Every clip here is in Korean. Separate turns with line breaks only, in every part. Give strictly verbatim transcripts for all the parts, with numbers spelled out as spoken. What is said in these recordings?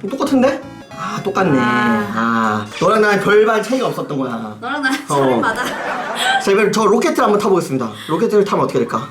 똑같은데? 아 똑같네.
아.
아 너랑 나랑 별반 차이가 없었던 거야.
너랑 나랑
어.
차이 맞아.
자 이번엔 저 로켓을 한번 타보겠습니다. 로켓을 타면 어떻게 될까?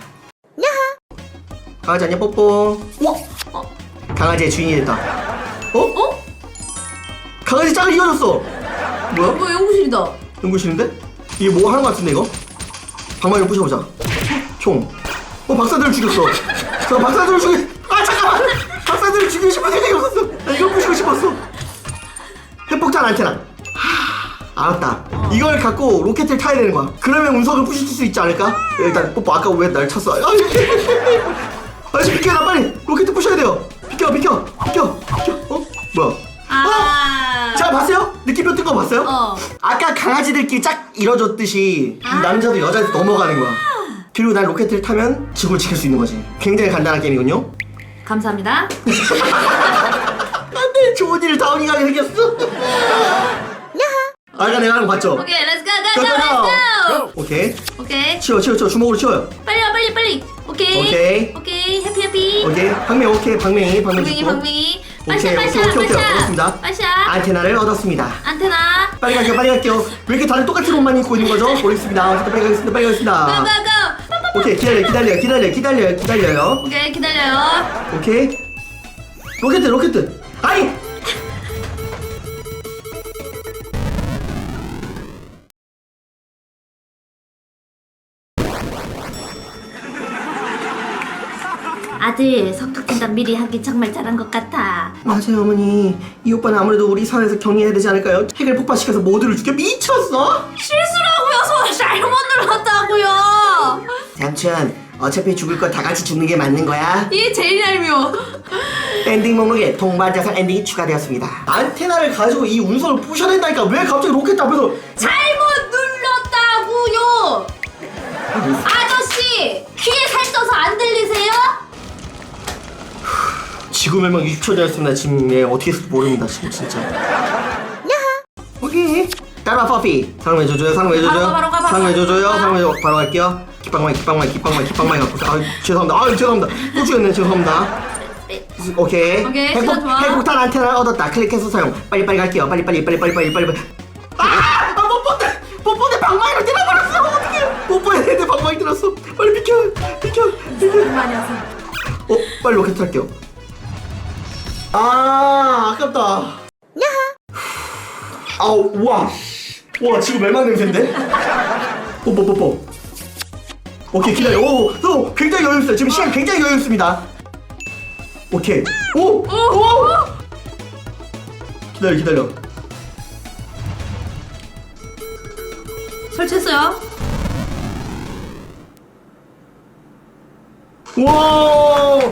강아지 안녕 뽀뽀. 우와!
어?
강아지의 주인이 됐다. 어?
어?
강아지 짝을 이어줬어. 뭐야?
뭐 연구실이다.
연구실인데? 이게 뭐 하는 거 같은데 이거? 방망이를 부셔보자. 총. 어 박사들을 죽였어. 저 박사들을 죽이. 아 잠깐만. 박사들을 죽이고 싶은 생각이 없었어. 나 이거 부시고 싶었어. 핵폭탄 안테나. 하, 알았다. 이걸 갖고 로켓을 타야 되는 거야. 그러면 운석을 부실 수 있지 않을까? 일단 뽀뽀 아까 왜 날 쳤어? 아저씨 비켜 나 빨리 로켓 부셔야 돼요. 비켜 비켜 비켜 비켜. 어 뭐야?
아.
자 봤어요? 느낌표 뜬 거 봤어요?
어.
아까 강아지들끼리 짝 이뤄줬듯이 이 남자도 여자도 넘어가는 거야. 그리고 난 로켓을 타면 지구를 지킬 수 있는 거지. 굉장히 간단한 게임이군요.
감사합니다.
안돼 좋은 일을 다운이가 하게 생겼어. 아까 내가 하는 거 봤죠?
오케이, 렛츠 고, 고, 고, 렛츠 고.
오케이
오케이.
치워 치워 치워 주먹으로 치워요.
빨리 와, 빨리, 빨리. 오케이.
오케이.
오케이. 해피, 해피.
오케이 방맹 오케이 방맹이 방맹
방맹이,
죽고.
방맹이.
오케이
빠샤,
오케이
빠샤,
오케이 오케이
빠샤.
얻었습니다.
빠샤.
안테나를 얻었습니다.
안테나.
빨리 갈게요 빨리 갈게요. 왜 이렇게 다들 똑같은 옷만 입고 있는 거죠? 모르겠습니다. 어쨌든 빨리 가겠습니다 빨리 가겠습니다.
고, 고, 고.
오케이 기다려 기다려 기다려 기다려 기다려요.
오케이, 기다려요.
오케이 로켓 로켓 아니
아들 성격진단 미리 하기 정말 잘한 것 같아.
맞아요 어머니. 이 오빠는 아무래도 우리 사회에서 경리해야 되지 않을까요? 핵을 폭파시켜서 모두를 죽여 미쳤어?
실수라고요. 손 잘못 눌렀다고요.
삼촌 어차피 죽을 거 다 같이 죽는 게 맞는 거야.
이게 제일 얄미워.
엔딩 목록에 동반자산 엔딩이 추가되었습니다. 안테나를 가지고 이 운석을 부셔낸다니까 왜 갑자기 로켓 앞에서
잘못 눌렀다고요. 아저씨 귀에 살쪄서 안 들리세요?
지구 멸망 육십 초 되었습니다. 지금 예, 어떻게 했을지 모릅니다. 지금 진짜. 오케이. 따라와 퍼피. 사랑해 줘줘요. 사랑해 줘줘요.
바로 가, 바로 가, 바로
사랑해
가.
줘줘요. 사랑해 줘. 바로 갈게요. 기빵마이 기빵마이 기빵마이 기빵마이 갖고. 아 죄송합니다. 아 죄송합니다. 또 죽였네. 죄송합니다. 오케이.
오케이,
핵폭,
시간 좋아.
핵폭탄 안테나를 얻었다. 클릭해서 사용. 빨리 빨리 갈게요. 빨리 빨리 빨리 빨리 빨리 빨리 빨리. 아! 아못 본데. 못 본데 방망이로 때려버렸어. 어떡해. 못 보야 되는데 방망이 들었어. 빨리 비켜. 비켜. 비켜.
많이 하세요.
어 빨리 로켓 탈게요. 아 아깝다. 아우 우와 와 지금 멸망 냄새인데? 뽀뽀 뽀뽀. 오케이 기다려. 오, 오 굉장히 여유 있어요. 지금 시간 굉장히 여유 있습니다. 오케이. 오, 오. 기다려 기다려.
설치했어요.
와.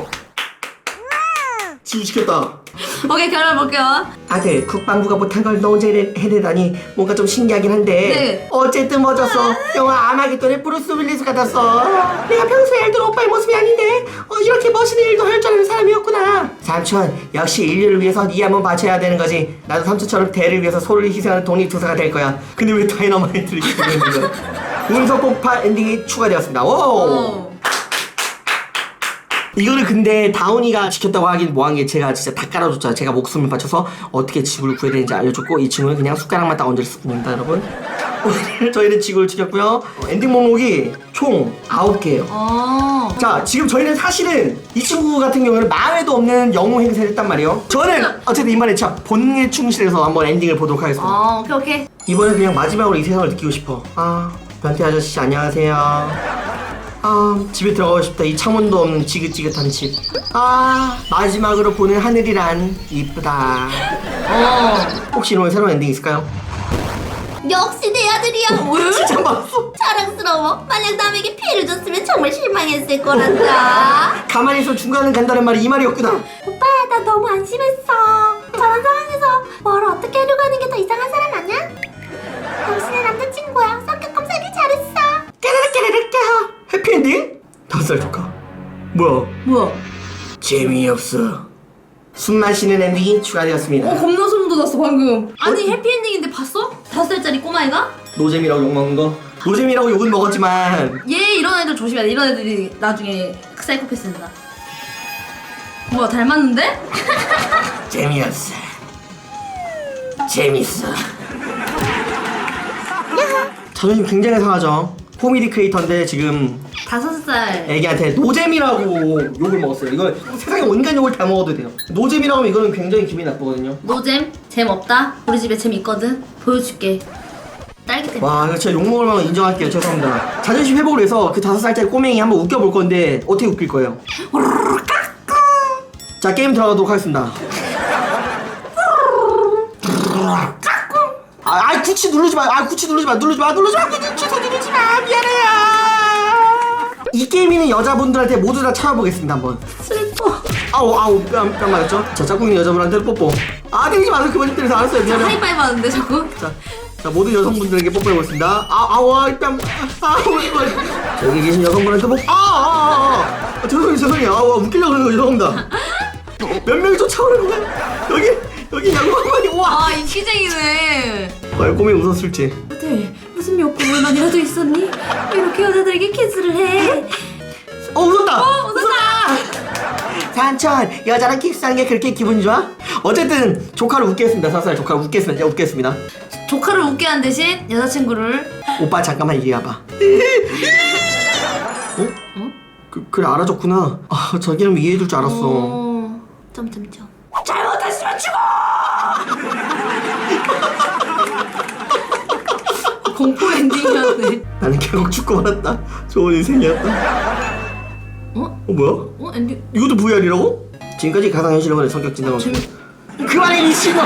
지우 시켰다.
오케이, 결혼 볼게요.
아들 국방부가 못한 걸 너 혼자 해내- 해내다니 뭔가 좀 신기하긴 한데
네.
어쨌든 멋졌어. 영화 아마겟돈의 브루스 윌리스 같았어. 내가 평소에 알던 오빠의 모습이 아닌데 어, 이렇게 멋있는 일도 할 줄 아는 사람이었구나. 삼촌 역시 인류를 위해서 네 한번 바쳐야 되는 거지. 나도 삼촌처럼 대를 위해서 소를 희생하는 독립투사가 될 거야. 근데 왜 다이너마이트를 이렇게 부르는 거야? 운석 폭파 엔딩이 추가되었습니다. 오.
어.
이거를 근데 다운이가 지켰다고 하긴 뭐한 게 제가 진짜 다 깔아줬잖아요. 제가 목숨을 바쳐서 어떻게 지구를 구해야 되는지 알려줬고 이 친구는 그냥 숟가락만 딱 얹었을 뿐입니다 여러분. 오늘 저희는 지구를 지켰고요. 엔딩 목록이 총 아홉 개예요.
어.
자 지금 저희는 사실은 이 친구 같은 경우는 마음에도 없는 영웅 행세를 했단 말이에요. 저는 어쨌든 이번에 진짜 본능에 충실해서 한번 엔딩을 보도록 하겠습니다.
어, 오케이, 오케이.
이번에 그냥 마지막으로 이 세상을 느끼고 싶어. 아 변태 아저씨 안녕하세요. 아 집에 들어가고 싶다. 이 창문도 없는 지긋지긋한 집. 아 마지막으로 보는 하늘이란 이쁘다.
어.
혹시 오늘 새로운 엔딩 있을까요?
역시 내 아들이야.
진짜 봤어.
자랑스러워. 만약 남에게 피해를 줬으면 정말 실망했을 거란다.
가만히 있어 중간은 간다는 말이 이 말이었구나.
오빠 나 너무 안심했어. 저런 상황에서 뭘 어떻게 하려고 하는 게 더 이상한 사람 아니야? 당신의 남자친구야. 성격 검사하기 잘했어.
깨르르 깨르르 깨하. 해피엔딩? 다섯 살 조카. 뭐야?
뭐야?
재미없어. 숨 마시는 엔딩이 추가되었습니다.
어, 겁나 소름 돋았어 방금. 아니 해피엔딩인데 봤어? 다섯 살짜리 꼬마애가?
노잼이라고 욕먹은 거? 노잼이라고 욕은 먹었지만
얘 이런 애들 조심해야 돼. 이런 애들이 나중에 사이코패스입니다. 뭐야 닮았는데?
재미없어. 재밌어. 자존심 굉장히 상하죠. 코미디 크리에이터인데 지금
다섯 살.
애기한테 노잼이라고 욕을 먹었어요. 이거 세상에 온갖 욕을 다 먹어도 돼요. 노잼이라고 하면 이거는 굉장히 기분이 나쁘거든요.
노잼? 재미없다? 우리 집에 재미있거든? 보여줄게. 딸기 때문에.
와, 이거 진짜 욕먹을 만한 거 인정할게요. 죄송합니다. 자존심 회복을 해서 그 다섯 살짜리 꼬맹이 한번 웃겨볼 건데 어떻게 웃길 거예요? 자, 게임 들어가도록 하겠습니다. 아, 아, 구치 누르지 마. 아, 구치 누르지 마. 누르지 마. 누르지 마. 구치 누르지 마. 미안해요. 이 게임이는 여자분들한테 모두 다 찾아보겠습니다. 한번.
슬퍼.
아우, 아우, 뺨, 뺨 맞았죠? 자, 짝꿍이 여자분한테 뽀뽀. 아, 때리지 마세요. 그만 때려서 알았어요. 미안해요.
하이파이브 하는데 자꾸.
자, 자, 모든 여성분들에게 뽀뽀해보겠습니다. 아, 아우, 뺨. 아우, 자, 여기 계신 여성분한테 뽀뽀. 아, 아, 아, 아. 죄송해요, 죄송해요. 아, 웃기려고 그러는 거 죄송합니다. 몇 명이 쫓아오는 거야? 여기, 여기 양반이, 와.
아, 인기쟁이네.
과연 꿈이 웃었을지.
아들 무슨 욕구만이라도 있었니? 왜 이렇게 여자들에게 키스를 해?
어, 웃었다!
어, 웃었다!
산천, 여자랑 키스하는 게 그렇게 기분 좋아? 어쨌든, 조카를 웃겠습니다. 사살 조카를 웃겠습니다. 웃겠습니다.
조카를 웃게 한 대신 여자친구를.
오빠, 잠깐만 이리 와봐. 어?
어?
그, 그래, 알아줬구나. 아, 자기는 이해해줄 줄 알았어.
어... 점점점.
잘못했으면 죽어!
공포 엔딩이었네.
나는 결국 죽고 말았다. 좋은 인생이었다.
어?
어, 뭐야?
어? 엔딩.
이것도 브이알이라고? 지금까지 가상현실로만의 성격 진단을 그만해 미친놈.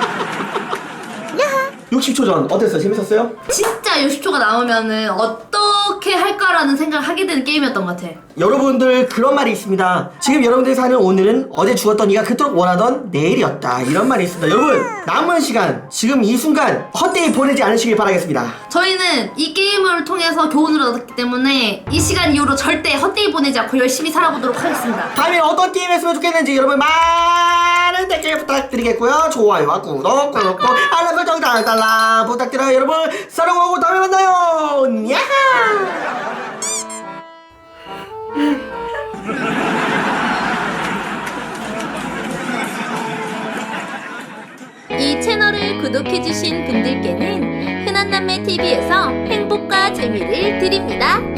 육십 초 전 어땠어요? 재밌었어요?
진짜 육십 초가 남으면은 어떻게 할까라는 생각을 하게 되는 게임이었던 것 같아.
여러분들 그런 말이 있습니다. 지금 여러분들이 사는 오늘은 어제 죽었던 네가 그토록 원하던 내일이었다. 이런 말이 있습니다. 여러분 남은 시간 지금 이 순간 헛되이 보내지 않으시길 바라겠습니다.
저희는 이 게임을 통해서 교훈을 얻었기 때문에 이 시간 이후로 절대 헛되이 보내지 않고 열심히 살아보도록 하겠습니다.
다음에 어떤 게임 했으면 좋겠는지 여러분 많은 댓글 부탁드리겠고요. 좋아요와 구독 꾹꾹 알람 설정 달달라 부탁드려요. 여러분 사랑하고 다음에 만나요. 야하.
이 채널을 구독해주신 분들께는 흔한남매티비에서 행복과 재미를 드립니다.